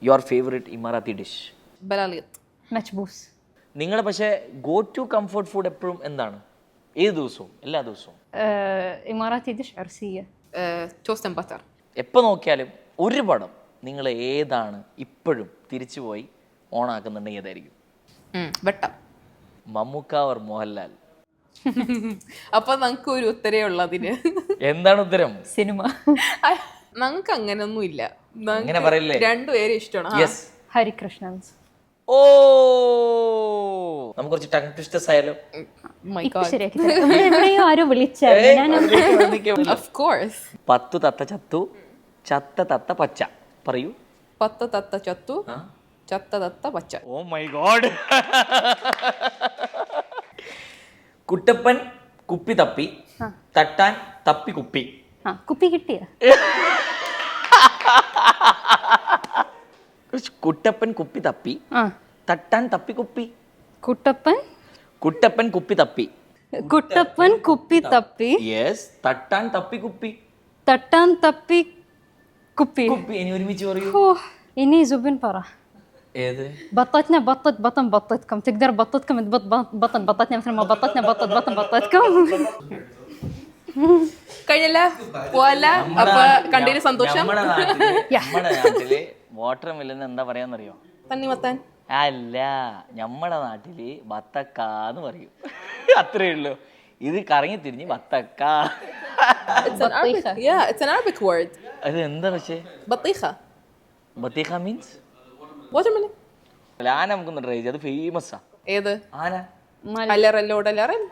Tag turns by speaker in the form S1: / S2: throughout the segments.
S1: Your favourite Emirati dish?
S2: ബലാലിയത്ത്.
S3: മച്ബൂസ്.
S1: നിങ്ങളുടെ പക്ഷേ ഗോ ടു കംഫർട്ട് ഫുഡ് എപ്പോഴും എന്താണ്? ഏത് ദിവസവും, എല്ലാ ദിവസവും?
S3: ഇമാറാത്തി ഡിഷ് അർസിയ.
S2: Toast and butter.
S1: എപ്പോൾ നോക്കിയാലും ഒരു പടം നിങ്ങൾ ഏതാണ് ഇപ്പോഴും തിരിച്ചുപോയി ഓണാക്കുന്നുണ്ടെങ്കിൽ ഏതായിരിക്കും?
S2: വെട്ട.
S1: മമ്മൂക്ക ഓർ മോഹൻലാൽ?
S2: അപ്പൊ നമുക്ക് ഒരു ഉത്തരേ ഉള്ളതിന്.
S1: എന്താണ് ഉത്തരം?
S3: സിനിമ.
S2: നമുക്ക് അങ്ങനൊന്നും ഇല്ല.
S1: അങ്ങനെ പറയില്ലേ?
S2: രണ്ടുപേരും ഇഷ്ടമാണ്.
S1: യെസ്.
S3: ഹരികൃഷ്ണൻസ്.
S1: ഓ, നമുക്ക് കുറച്ച് ടങ് ട്വിസ്റ്റേഴ്സ് ആയാലോ?
S3: ശരിയാക്കി എവിടെയോ ആരോ വിളിച്ചായിരുന്നു.
S1: 10 തത്ത ചത്തു, ചത്ത തത്ത പച്ച. പറയൂ.
S2: 10 തത്ത ചത്തു, ചത്ത തത്ത പച്ച.
S1: Oh my God. കുട്ടപ്പൻ കുപ്പി തപ്പി, തട്ടാൻ തപ്പി കുപ്പി.
S3: കുപ്പി കിട്ടിയ?
S1: കുട്ടപ്പൻ കുപ്പി തപ്പി, തട്ടാൻ തപ്പി കുപ്പി.
S3: കുട്ടപ്പൻ
S1: കുപ്പി തപ്പി.
S3: കുട്ടപ്പൻ കുപ്പി തപ്പി.
S1: യെസ്. തട്ടാൻ തപ്പി കുപ്പി.
S3: തട്ടാൻ തപ്പി കുപ്പി.
S1: കുപ്പി. ഇനി ഒരുമിച്ച് പറയൂ.
S3: ഇനി സുബിൻ പറ.
S1: ഏത്?
S3: بطتنا بطت بطن بطتكم تقدر بطتكم تبط بطن بطتنا مثل ما بطتنا بطت بطن بطتكم.
S2: കഴിഞ്ഞല്ല പോവല്ല. അപ്പൊ കണ്ടതിന് സന്തോഷം.
S1: നമ്മുടെ നാട്ടില് വാട്ടർ മില്ലെന്ന് എന്താ പറയാന്നറിയോ?
S2: തണ്ണിമത്താൻ.
S1: അല്ല, നമ്മുടെ നാട്ടില് ബത്തക്കാന്ന് പറയും. അത്രേ ഉള്ളൂ. ഇത് കറങ്ങി തിരിഞ്ഞ് ബത്തക്ക.
S2: It's an Arabic word.
S1: അത് എന്താ? പക്ഷേ
S2: ബത്തീഖ.
S1: ബത്തീഖ മീൻസ്
S2: വാട്ടർമെലൺ.
S1: ആന നമുക്കൊന്ന് ട്രൈ ചെയ്ത്. അത് ഫേമസാ.
S2: ഏത്
S1: ആന?
S2: അലറല്ലോടലറൻ.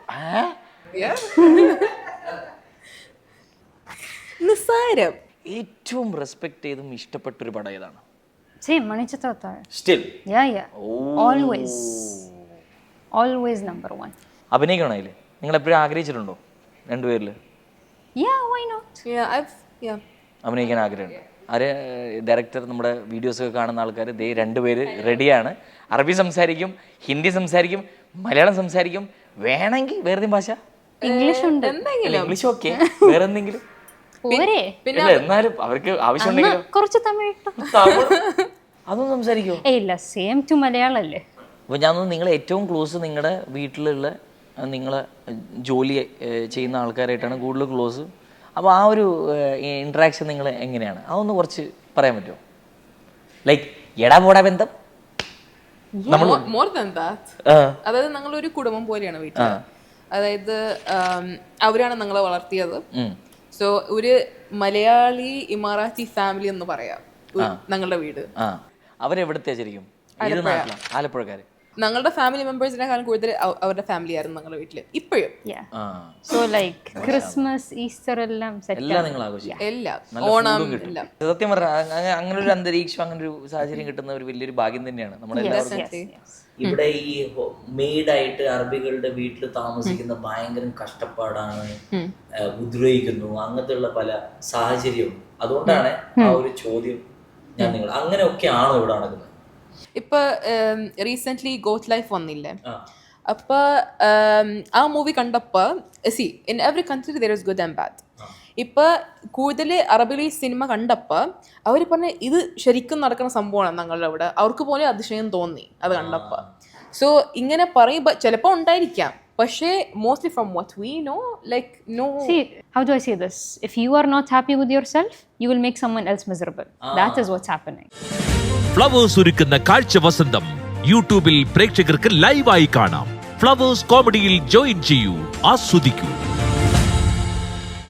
S2: നിസ്സാരം.
S1: ഏറ്റവും റെസ്പെക്ട് ചെയ്തും ഇഷ്ടപ്പെട്ടൊരു പടം ഏതാണ്?
S3: Still. Yeah. Always number one.
S1: അഭിനയിക്കണോ അതില്? നിങ്ങൾ എപ്പോഴും ആഗ്രഹിച്ചിട്ടുണ്ടോ രണ്ടുപേരില്?
S3: Yeah, why not?
S1: അഭിനയിക്കാൻ ആഗ്രഹമുണ്ട്. ആര്? ഡയറക്ടർ, നമ്മുടെ വീഡിയോസ് ഒക്കെ കാണുന്ന ആൾക്കാർ ദേ രണ്ടുപേര് റെഡിയാണ്. അറബി സംസാരിക്കും, ഹിന്ദി സംസാരിക്കും, മലയാളം സംസാരിക്കും, വേണമെങ്കിൽ വേറെ ഭാഷ,
S3: ഇംഗ്ലീഷ് ഉണ്ട്.
S1: ഇംഗ്ലീഷ് ഓക്കെ, വേറെ എന്തെങ്കിലും. എന്നാലും അവർക്ക് ആവശ്യമുണ്ടെങ്കിലും
S3: കുറച്ച് തമിഴ്
S1: അതൊന്നും സംസാരിക്കുമോ?
S3: ഇല്ല, സെയിം ടു മലയാളല്ലേ.
S1: അപ്പോൾ ഞാൻ നിങ്ങൾ ഏറ്റവും ക്ലോസ് നിങ്ങളുടെ വീട്ടിലുള്ള നിങ്ങളെ ജോലി ചെയ്യുന്ന ആൾക്കാരായിട്ടാണ് കൂടുതൽ ക്ലോസ്. അപ്പോൾ ആ ഒരു ഇൻട്രാക്ഷൻ നിങ്ങൾ എങ്ങനെയാണ്? അതൊന്ന് കുറച്ച് പറയാൻ പറ്റുമോ? ലൈക്ക് എടാ പോടാ ബന്ധം?
S2: More than that. അതായത് ഞങ്ങളൊരു കുടുംബം പോലെയാണ് വീട്ടിൽ. അതായത് അവരാണ് ഞങ്ങളെ വളർത്തിയത്. സോ ഒരു മലയാളി ഇമാറാത്തി ഫാമിലി എന്ന് പറയാം ഞങ്ങളുടെ വീട്.
S1: അവരെവിടത്തെ ശരിക്കും? ആലപ്പുഴക്കാര്.
S2: ഞങ്ങളുടെ ഫാമിലി മെമ്പേഴ്സിനെക്കാളും കൂടുതൽ അവരുടെ ഫാമിലി ആയിരുന്നു ഞങ്ങളുടെ വീട്ടില് ഇപ്പോഴും.
S3: സോ ലൈക്ക് ക്രിസ്മസ്, ഈസ്റ്റർ എല്ലാം
S1: നിങ്ങൾ ആഘോഷിക്കും.
S2: എല്ലാം, ഓണം എല്ലാം.
S1: സത്യം പറഞ്ഞാൽ അങ്ങനെ ഒരു അന്തരീക്ഷം, അങ്ങനെ ഒരു സാഹചര്യം കിട്ടുന്ന ഒരു വലിയൊരു ഭാഗ്യം തന്നെയാണ് നമ്മളെല്ലാവർക്കും. ഇവിടെ ഈ മെയ്ഡായിട്ട് അറബികളുടെ വീട്ടിൽ താമസിക്കുന്ന ഭയങ്കര കഷ്ടപ്പാടാണ്, ഉപദ്രവിക്കുന്നു, അങ്ങനത്തെ ഉള്ള പല സാഹചര്യവും. അതുകൊണ്ടാണ് ആ ഒരു ചോദ്യം ഞാൻ നിങ്ങൾ അങ്ങനെയൊക്കെ ആണോ ഇവിടെ നടക്കുന്നത്?
S2: ഇപ്പൊ റീസെന്റ് ഗോത്ത് ലൈഫ് വന്നില്ലേ? അപ്പൊ ആ മൂവി കണ്ടപ്പോ in every country there is good and bad. ഇപ്പൊ കൂടുതൽ അറബിലി സിനിമ കണ്ടപ്പോ അവർ പറഞ്ഞ ഇത് ശരിക്കും നടക്കുന്ന സംഭവമാണ് ഞങ്ങളുടെ അവിടെ. അവർക്ക് പോലും അതിശയം തോന്നി അത് കണ്ടപ്പോ. സോ ഇങ്ങനെ പറയുമ്പോ ചിലപ്പോ ഉണ്ടായിരിക്കാം, പക്ഷേ mostly from what we know, like no.
S3: See, how do I say this? If you are not happy with yourself, you will make someone else miserable. That is what's happening.
S4: Flowers ഒരുക്കുന്ന കാഴ്ച വസന്തം യൂട്യൂബിൽ പ്രേക്ഷകർക്ക് ലൈവായി കാണാം. Flowers കോമഡിയിൽ join ചെയ്യൂ, ആസ്വദിക്കൂ.